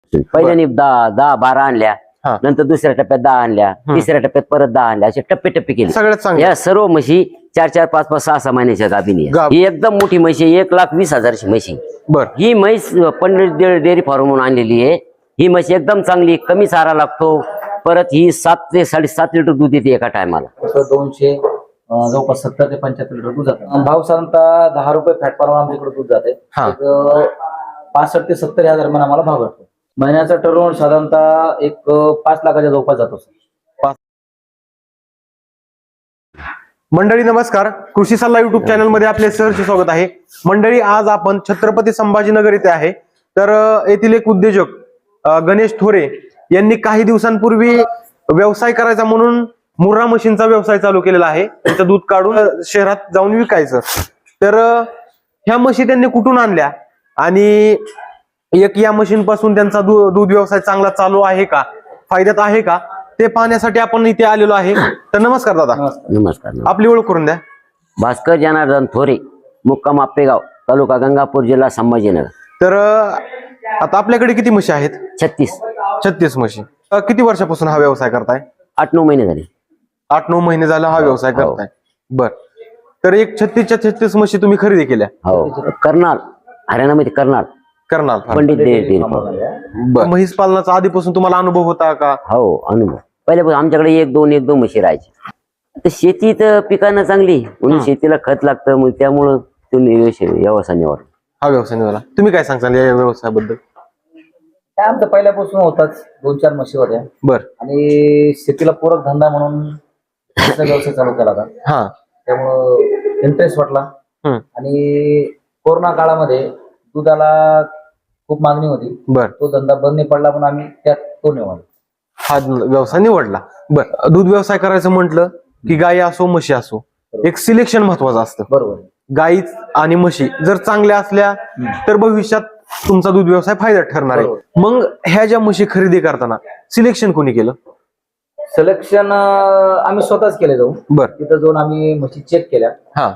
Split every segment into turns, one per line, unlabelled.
पहिल्याने 10-12 आणल्या, नंतर दुसऱ्या टप्प्यात 10 आणल्या, तिसऱ्या टप्प्यात परत 10 आणल्या, असे टप्पे टप्पे केले.
सगळ्यात चांगलं.
या सर्व म्हशी 4-4, 5-5, 6-6 महिन्याच्या गाभीनी ही एकदम मोठी म्हशी, 1,20,000ची म्हशी. ही म्हैस पंडित डेअरी फार्म म्हणून आणलेली आहे. ही म्हशी एकदम चांगली, कमी चारा लागतो. परत ही 7 ते 7.5 लिटर दूध देते एका टायमाला.
200 जवळपास 70 ते 75 लिटर दूध जातं. भाव साधारणतः 10 रुपये फॅट प्रमाण आमच्याकडे दूध जाते. 65 ते 70 या दरम्यान आम्हाला भाव भेटतो. महिन्याचा टर्नओव्हर साधारणतः एक 5 लाखाच्या जवळपास जातो.
मंडळी नमस्कार, कृषी सल्ला युट्यूब चॅनल मध्ये आपले सहर्ष स्वागत आहे. मंडळी आज आपण छत्रपती संभाजीनगर येथे आहे. तर येथील एक उद्योजक गणेश थोरे यांनी काही दिवसांपूर्वी व्यवसाय करायचा म्हणून मुर्रा मशीनचा व्यवसाय चालू केलेला आहे. त्याचं दूध काढून शहरात जाऊन विकायचं. तर ह्या म्हशी त्यांनी कुठून आणल्या आणि एक या मशीन पासून त्यांचा दूध व्यवसाय चांगला चालू आहे का, फायद्यात आहे का, ते पाहण्यासाठी आपण इथे आलेलो आहे. तर नमस्कार दादा.
नमस्कार.
आपली ओळख करून द्या.
भास्कर जनार्दन थोरे, मुक्काम आपेगाव, तालुका गंगापूर, जिल्हा संभाजीनगर.
तर आता आपल्याकडे किती म्हशी आहेत? 36 म्हशी. किती वर्षापासून हा व्यवसाय करताय?
8-9 महिने झाले.
8-9 महिने झाला हा व्यवसाय करताय. बर. तर एक 36 म्हशी तुम्ही खरेदी केल्या?
हो, करनाल, हरियाणामध्ये करनाल पंडित डेअरी फार्म.
म्हैस पालनाचा आधीपासून तुम्हाला अनुभव होता का?
हो, अनुभव. पहिल्यापासून आमच्याकडे 1-2 म्हशी राहायची. आता शेती तर पिकांना चांगली म्हणून शेतीला खत लागतं, मग त्यामुळं तुम्ही व्यवसाय निवडला.
हा व्यवसाय निवडला. तुम्ही काय सांगताल या व्यवसायाबद्दल?
काय आमचं पहिल्यापासून होताच, 2-4 म्हशी होत्या.
बर.
आणि शेतीला पूरक धंदा म्हणून व्यवसाय चालू केला होता. त्यामुळं इंटरेस्ट वाटला. आणि कोरोना काळामध्ये दुधाला खूप मागणी होती.
बर.
तो धंदा बंद नाही पडला, पण आम्ही त्यात तो निवडला,
हा व्यवसाय निवडला. बर. दूध व्यवसाय करायचं म्हटलं की गाई असो म्हशी असो, एक सिलेक्शन महत्वाचं असतं.
बरोबर.
गाई आणि म्हशी जर चांगल्या असल्या तर भविष्यात तुमचा दूध व्यवसाय फायदा ठरणार आहे. मग ह्या ज्या म्हशी खरेदी करताना सिलेक्शन कोणी केलं?
सिलेक्शन आम्ही स्वतःच केले जाऊन.
बर.
तिथं जाऊन आम्ही म्हशी चेक केल्या.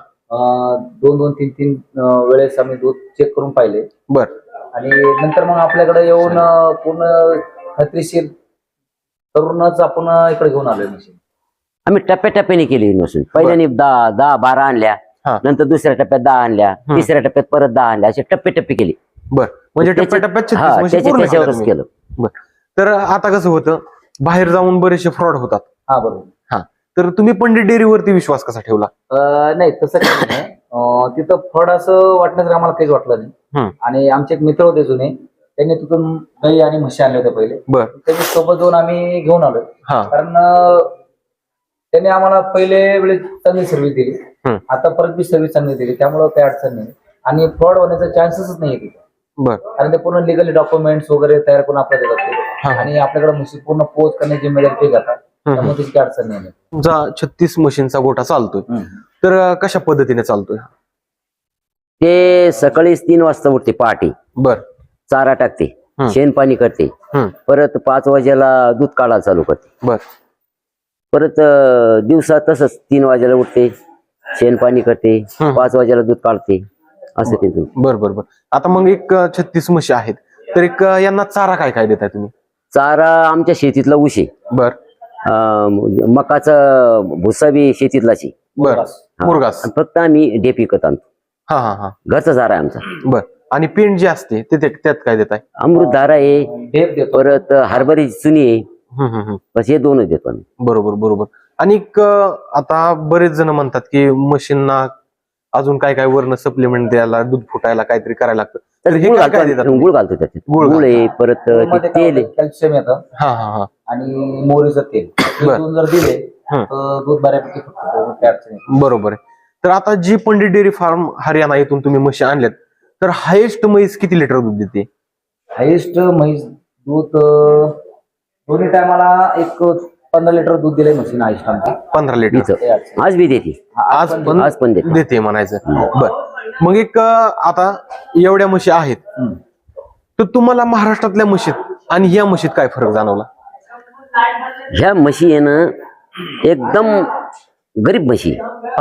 2-2, 3-3 वेळेस आम्ही दूध चेक करून पाहिले.
बर.
आणि नंतर मग आपल्याकडे येऊन पूर्ण खात्रीशीर करूनच आपण इकडे घेऊन आलोय मशीन.
आम्ही टप्प्याटप्प्याने केली मशीन. पहिल्याने 10-12 आणल्या, नंतर दुसऱ्या टप्प्यात 10 आणल्या, तिसऱ्या टप्प्यात परत 10 आणल्या, असे टप्पे केले.
बर. म्हणजे टप्प्याटप्प्यात 36 म्हशी पूर्ण
त्याच्यावरच केलं.
बर. तर आता कसं होतं, बाहेर जाऊन बरेचसे फ्रॉड होतात.
बरोबर.
तर तुम्ही पंडित डेअरीवरती विश्वास कसा ठेवला?
नाही, तसं काही नाही. तिथं फळ असं वाटण्याचं आम्हाला काहीच वाटलं नाही. आणि आमचे एक मित्र होते जुने, त्यांनी तिथून गाई आणि म्हशी आणल्या होत्या पहिले. त्यांनी सोबत जाऊन आम्ही घेऊन आलो. कारण त्यांनी आम्हाला पहिले वेळेस चांगली सर्व्हिस दिली, आता परत बी सर्व्हिस चांगली दिली, त्यामुळे काही अडचण नाही. आणि फ्रॉड होण्याचा चान्सेसच नाही तिथे. कारण ते पूर्ण लिगली डॉक्युमेंट्स वगैरे तयार करून आपल्याला जाते. आणि आपल्याकडे म्हशी पूर्ण पोच करण्याची मिळेल ते जातात, त्यामुळे त्याची काही अडचण नाही.
तुमचा 36 म्हशींचा गोठा चालतोय, तर कशा पद्धतीने चालतोय?
ते सकाळी 3 वाजता उठते पहाटे.
बर.
चारा टाकते, शेण पाणी करते, परत 5 वाजेला दूध काढायला चालू करते.
बर.
परत दिवसा तसंच 3 वाजेला उठते, शेण पाणी करते, 5 वाजेला दूध काढते, असं ते.
बर बर बर. आता मग एक 36 म्हशी आहेत, तर एक यांना चारा काय काय देताय तुम्ही?
चारा आमच्या शेतीतला ऊस आहे.
बर.
मकाचा भुसा बी शेतीतलाच आहे.
बर. मुरगास.
फक्त आम्ही डेप विकत आणतो. घरचा चारा आहे आमचा.
बर. आणि पेंड जे असते त्यात काय देताय?
अमृत धारा आहे, परत हरभऱ्याची चुनी आहे, बस हे 2च देतो आम्ही.
बरोबर बरोबर. आणि आता बरेच जण म्हणतात की मशीनना अजून काय काय वर्ण सप्लिमेंट द्यायला, दूध फुटायला काहीतरी करायला लागतं. तर हे काय देतात?
गुळ घालतो त्याच्यात. गुळ आहे, परत तेल आहे,
कॅल्शियम येतं, आणि मोहरीचं तेल जर दिले तर दूध बऱ्यापैकी फुटतं.
बरोबर आहे. तर आता जी पंडित डेअरी फार्म हरियाणा येथून तुम्ही म्हशी आणल्यात, तर हायेस्ट म्हैस किती लिटर दूध देते?
हायेस्ट म्हैस दूध दोन्ही टायमाला एक 15 लिटर दूध दिलंय मशीन. हायेस्ट आमची
15 लिटर
आज बी देते.
आज पण देते म्हणायचं. बर. मग एक आता एवढ्या म्हशी आहेत, तर तुम्हाला महाराष्ट्रातल्या म्हशीत आणि या म्हशीत काय फरक जाणवला?
ह्या म्हशी आहे ना एकदम गरीब म्हशी,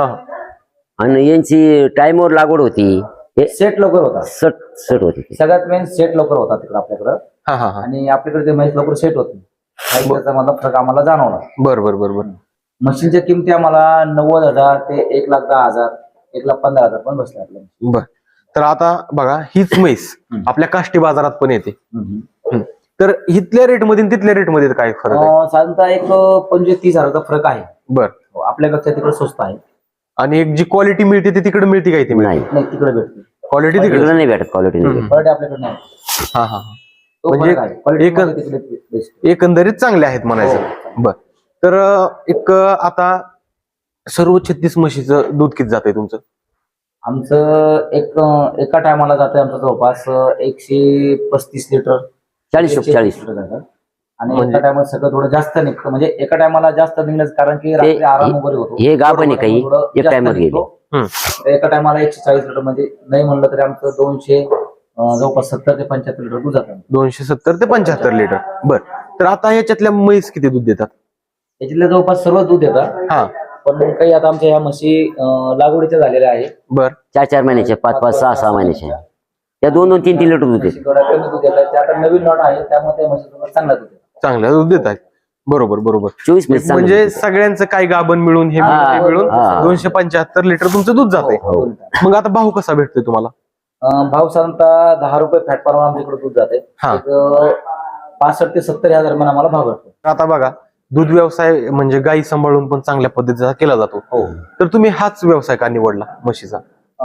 आणि यांची टाइमवर लागवड होती.
सेट लवकर होता.
सट होती.
सगळ्यात मेन सेट लवकर होता तिकडे आपल्याकडं.
हा हा हा
आणि आपल्याकडे ते म्हैस लवकर सेट होत नाही त्याचा मला फरक आम्हाला जाणवला.
बर बर बर बर.
मशीनच्या किमती आम्हाला 90,000 ते 1,10,000 1,15,000 पण बसले आपल्याला.
बर. तर आता बघा हीच म्हैस आपल्या काष्टी बाजारात पण येते. तर इथल्या रेटमध्ये तिथल्या रेटमध्ये काय फरक आहे?
साधारणतः एक 25-30,000चा फरक आहे.
बर.
आपल्यापेक्षा तिकडे स्वस्त आहे.
आणि एक जी क्वालिटी मिळते ती तिकडे मिळते काय? ती
नाही
नाही तिकडे भेटते.
क्वालिटी
तिकडे
तिकडे
नाही भेटत, क्वालिटी नाही भेटत.
क्वालिटी आपल्याकडे नाही.
हा हा.
तो
म्हणजे
फरक आहे. Quality मध्ये तिकडे best.
एकंदरीत चांगले आहेत म्हणायचं. बर. तर एक आता सर्व 36 म्हशीचं दूध किती जाते तुमचं?
आमचं एका टायमाला जाते आमचं जवळपास 135 लिटर
40
लिटर जातं. आणि एका टायमाला सगळं थोडं जास्त निघतं. म्हणजे एका टायमाला जास्त निघण्याचं कारण की रात्री आराम वगैरे होतो.
हे गाभण आहे काही
थोडं
एक
जास्त
टायमात गेले.
निघतो. एका टायमाला 140 लिटर म्हणजे नाही म्हणलं तरी आमचं 200 जवळपास 70 ते 75 लिटर दूध जातं.
270 ते 75 लिटर. बर. तर आता ह्याच्यातल्या म्हैस किती दूध देतात?
याच्यातले जवळपास सर्व दूध येतात.
हा.
पण काही आता आमच्या ह्या म्हशी लागवडीच्या झालेल्या आहे.
बर.
4 महिन्याचे 5 6 महिन्याचे त्या 2-3 लिटर दूध देतात.
थोडा कमी दूध येतात. ते आता नवीन लॉट आहे त्यामुळे त्या म्हशी चांगला दूध येतात.
चांगलं दूध देत आहेत. बरोबर बरोबर.
24 म्हैस चांगलं
म्हणजे
दूध देतात.
सगळ्यांचं काय गाभण मिळून हे मिळून 275 लिटर तुमचं दूध जाते. मग आता भाव कसा भेटतोय तुम्हाला?
भाव साधारणतः 10 रुपये फॅट प्रमाणे आमच्याकडे दूध जाते. 65 ते 70 हजार दरम्यान आम्हाला भाव भेटतो.
आता बघा दूध व्यवसाय म्हणजे गाई सांभाळून पण चांगल्या पद्धतीचा केला जातो. तर तुम्ही हाच व्यवसाय का निवडला म्हशीचा?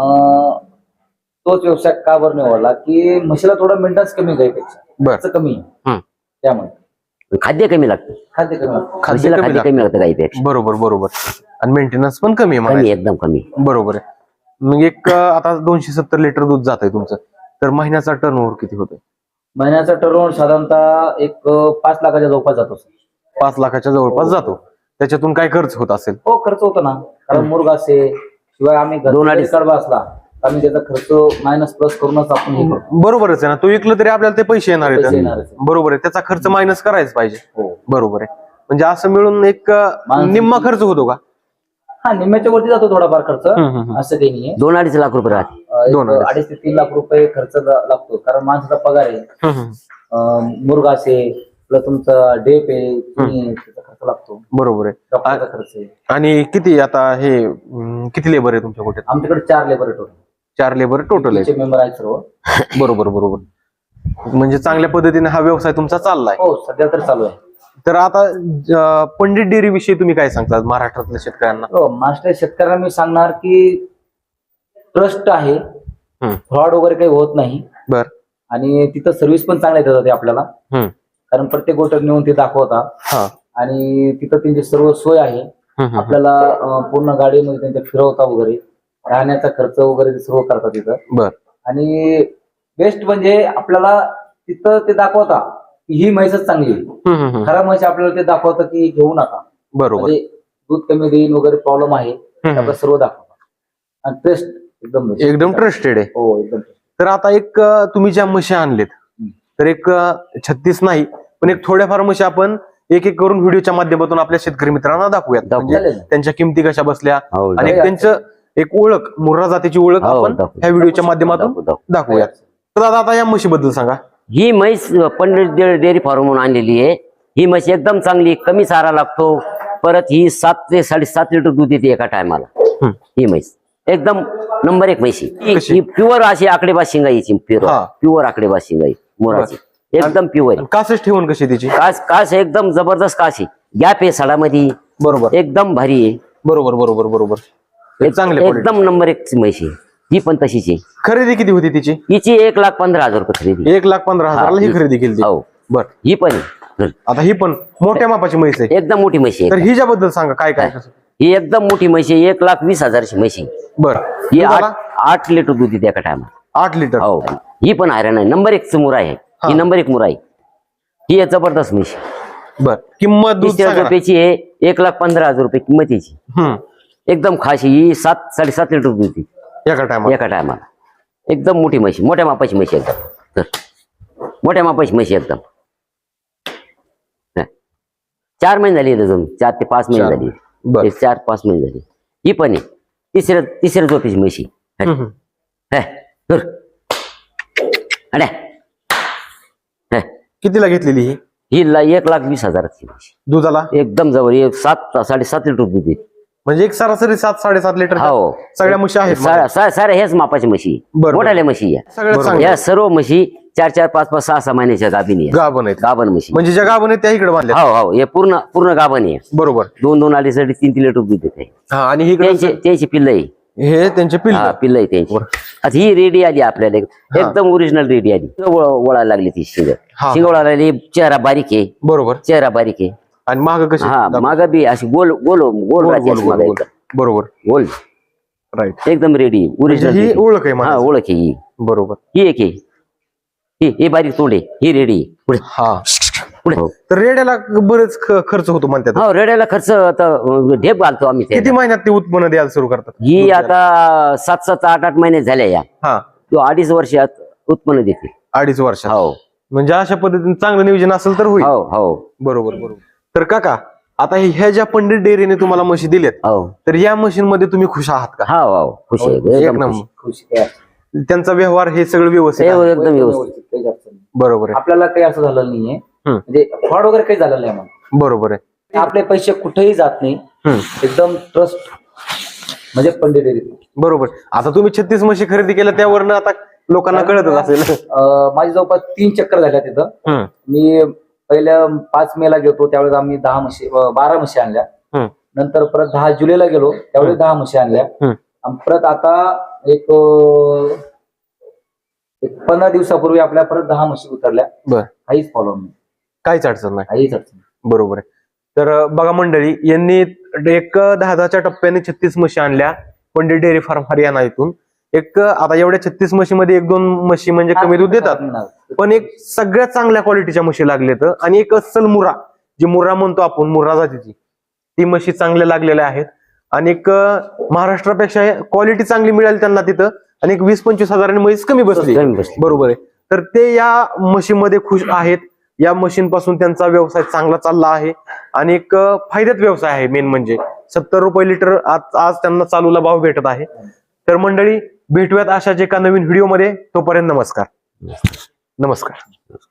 तोच व्यवसाय का बरं निवडला की म्हशीला थोडं मेंटेनन्स कमी गाईपेक्षा खर्च कमी आहे. त्यामुळे
खाद्य कमी लागतं.
खाद्य कमी लागतं.
म्हशीला खाद्य कमी लागतं गाईपेक्षा.
बरोबर बरोबर. आणि मेंटेनन्स पण कमी आहे
कमी,
म्हणायचं.
एकदम कमी.
बरोबर आहे. मग एक आता 270 लिटर दूध जात आहे तुमचं. तर महिन्याचा टर्नओव्हर किती होतोय?
महिन्याचा टर्नओव्हर साधारणतः एक 5 लाखाच्या जवळपास जातो.
5 लाखाच्या जवळपास जातो. त्याच्यातून काय खर्च होत असेल?
हो खर्च होतो ना. कारण मुर्गा असे शिवाय आम्ही
2-2.5
कडबा असला आम्ही त्याचा खर्च मायनस प्लस करूनच आपण हे करतो.
बरोबरच आहे ना. तो विकलं तरी आपल्याला ते पैसे येणार
पैसे
आहेत.
येणारच.
बरोबर आहे. त्याचा खर्च मायनस करायच पाहिजे.
हो.
बरोबर आहे. म्हणजे असं मिळून एक निम्मा खर्च होतो का?
हा निम्म्याच्या वरती जातो थोडाफार खर्च. असं काही नाहीये.
2-2.5 लाख रुपये राहते.
2.5 ते 3 लाख रुपये खर्च लागतो. कारण माणसाचा पगार आहे. मुर्गा असेल प्लस तुमचा डेप आहे त्याचा खर्च लागतो.
बरोबर आहे.
डॉक्टरचा खर्च आहे.
आणि किती आता हे किती लेबर आहे तुमच्या कुठे?
आमच्याकडे 4 लेबर टोटल.
4 लेबर टोटल आहे.
मेंबर आहेत सर्व.
बरोबर बरोबर. म्हणजे चांगल्या पद्धतीने हा व्यवसाय तुमचा चाललाय.
हो सध्या तर चालू आहे.
तर आता पंडित डेअरी विषयी तुम्ही काय सांगता महाराष्ट्रातल्या शेतकऱ्यांना?
महाराष्ट्र शेतकऱ्यांना मी सांगणार की ट्रस्ट आहे. फ्रॉड वगैरे काही होत नाही.
बर.
आणि तिथं सर्व्हिस पण चांगल्या देतात ते आपल्याला. कारण प्रत्येक गोष्ट नेऊन ते दाखवतात. आणि तिथं त्यांची सर्व सोय आहे. आपल्याला पूर्ण गाडीमध्ये त्यांच्या फिरवता वगैरे राहण्याचा खर्च वगैरे ते सर्व करतात तिथं.
बर.
आणि बेस्ट म्हणजे आपल्याला तिथं ते दाखवता की ही म्हैसच चांगली आहे. खरा म्हैस आपल्याला ते दाखवतं की घेऊ नका.
बरोबर.
दूध कमी देईन वगैरे प्रॉब्लेम आहे आपल्याला सर्व दाखवतात. आणि ट्रस्ट एकदम
ट्रस्टेड आहे.
हो एकदम.
तर आता एक तुम्ही ज्या म्हशी आणलेत तर एक 36 नाही पण एक थोड्याफार म्हशी आपण एक एक करून व्हिडिओच्या माध्यमातून आपल्या शेतकरी मित्रांना दाखवूयात. म्हणजे त्यांच्या किमती कशा बसल्या आणि त्यांचं एक ओळख मुर्रा जातीची ओळख आपण ह्या व्हिडिओच्या माध्यमातून दाखवूयात. तर दादा आता या म्हशीबद्दल सांगा.
ही म्हैस पंडित डेअरी फार्म म्हणून आणलेली आहे. ही म्हैस एकदम चांगली, कमी चारा लागतो. परत ही 7 ते 7.5 लिटर दूध देते एका टायमाला. ही म्हैस एकदम नंबर 1 म्हशी. ही प्युअर अशी आकडेबाज शिंगाईची. प्युअर आकडेबाज शिंगाई मुराची एकदम प्युअर.
कासच ठेवून कशी तिची?
कास एकदम जबरदस्त कास आहे. गॅप आहे साडामध्ये.
बरोबर.
एकदम भारी आहे.
बरोबर बरोबर बरोबर.
एकदम नंबर 1 म्हशी. ही पण तशीच आहे.
खरेदी किती होती तिची?
हिची 1,15,000 रुपये खरेदी.
1,15,000 ही खरेदी केली.
हो.
बर.
ही पण आहे.
आता ही पण मोठ्या मापाची म्हैस आहे.
एकदम मोठी म्हशी आहे.
तर हिच्याबद्दल सांगा काय काय कसं?
ही एकदम मोठी म्हशी आहे. 1,20,000ची म्हशी.
बर.
ही 8 लिटर दूध देते एका टायमाला.
8 लिटर.
हो. ही पण आयरन आहे. नंबर 1 मुरा आहे. ही नंबर 1 मुरा आहे. ही जबरदस्त म्हशी.
बर. किंमत दूध सांगा.
रुपयाची आहे. 1,15,000 रुपये किंमत याची. एकदम खाशी. ही 7-7.5 लिटर दूध देते
एका टायमाला.
एकदम मोठी म्हशी. मोठ्या मापाची म्हशी एकदम. मोठ्या मापाची म्हशी एकदम. 4 महिने झाली अजून. 4 ते 5 महिने झाली. 4-5 महिने झाली. ही पण आहे. तिसऱ्या झोपेची म्हशी.
कितीला घेतलेली ही?
ही 1,20,000ची म्हशी.
दुधाला
एकदम जवळ 7-7.5 लिटर दूध देते.
म्हणजे एक सरासरी 7-7.5 लिटर
हो
सगळ्या म्हशी आहेत.
साऱ्या हेच मापाची म्हशी,
बरोबर.
मोठ्याल्या म्हशी या.
सगळ्यात चांगल्या
या सर्व म्हशी 4-4, 5-5, 6-6 महिन्याच्या गाभीनी आहे.
गाभण आहेत.
गाभण म्हशी.
म्हणजे ज्या गाभण आहेत त्या इकडे बांधल्या.
हो हे पूर्ण गाभण आहे.
बरोबर.
2-2 अडीच 3 लिटर दूध देते.
हा आणि इकडे
त्यांची पिल्ल आहे.
हे त्यांचे
हा
पिल्ल.
पिल्ल आहे त्यांची. आता ही रेडी आली आपल्याला एकदम ओरिजिनल रेडी आली. वळायला लागली ती शिंग वळायला लागली. चेहरा बारीक आहे.
बरोबर.
चेहरा बारीक आहे.
आणि माग कशी?
हा माग बी अशी गोल गोल गोल राहते अशी मागं एकदम.
बरोबर.
गोल
राईट.
एकदम रेडी ओरिजिनल.
ही ओळख आहे
हा
मला.
ओळख आहे ही.
बरोबर.
ही एक आहे. ही बारीक तोंड आहे. ही रेडी पुढे
हा.
पुढे.
तर रेड्याला बरेच खर्च होतो म्हणतात.
हो रेड्याला खर्च आता ढेप घालतो आम्ही
किती
त्याला.
महिन्यात ते उत्पन्न द्यायला सुरू करतात?
ही आता 7-7, 8-8 महिने झाल्या या.
हा.
तो 2.5 वर्षात उत्पन्न देते.
2.5 वर्षात.
हो
म्हणजे अशा पद्धतीने चांगलं नियोजन असेल तर होईल.
हो हो
बरोबर बरोबर. तर काका आता ह्या ज्या पंडित डेअरीने तुम्हाला म्हशी दिल्यात
हो
तर या मशीन मध्ये तुम्ही खुश आहात का?
हो हो खुश आहे
एक
एकदम
नंबर.
खुश.
खुश आहे.
त्यांचा व्यवहार हे सगळं व्यवस्थित आहे?
एकदम व्यवस्थित.
काहीच अडचण नाही.
बरोबर आहे.
आपल्याला काही असं झालं नाहीये, म्हणजे फ्रॉड वगैरे काही झालेलं नाही आम्हाला.
बरोबर आहे.
आपले पैसे कुठेही जात नाही. एकदम ट्रस्ट म्हणजे पंडित डेअरी.
बरोबर. आता तुम्ही 36 म्हशी खरेदी केल्या त्यावरनं आता लोकांना कळतच असेल.
माझी जवळपास 3 चक्कर झाल्या तिथं. मी पहिल्या 5 मेला गेलो त्यावेळेस आम्ही 12 म्हशी आणल्या. नंतर परत 10 जुलैला गेलो त्यावेळेस 10 म्हशी आणल्या. आणि परत आता एक 15 दिवसापूर्वी आपल्या परत 10 म्हशी उतरल्या.
बर.
काहीच प्रॉब्लेम नाही,
काहीच अडचण नाही.
काहीच अडचण नाही.
बरोबर आहे. तर बघा मंडळी, यांनी एक 10-10च्या टप्प्याने 36 म्हशी आणल्या पंडित डेअरी फार्म हरियाणा इथून. एक आता एवढ्या 36 म्हशीमध्ये 1-2 म्हशी म्हणजे कमी दूध देतात, पण एक सगळ्यात चांगल्या क्वालिटीच्या म्हशी लागलेत. आणि एक अस्सल मुर्रा, जी मुर्रा म्हणतो आपण, मुर्रा जातीची ती म्हशी चांगल्या लागलेल्या आहेत. आणि एक महाराष्ट्रापेक्षा क्वालिटी चांगली मिळाली त्यांना तिथं. आणि एक 20-25 हजारांनी म्हैस कमी बसली. बरोबर आहे. तर ते या म्हशीमध्ये खुश आहेत. या मशीनपासून त्यांचा व्यवसाय चांगला चालला आहे आणि एक फायद्यात व्यवसाय आहे. मेन म्हणजे 70 रुपये लिटर आज त्यांना चालूला भाव भेटत आहे. तर मंडळी भेटूयात अशाच एका नवीन व्हिडिओमध्ये. तोपर्यंत नमस्कार.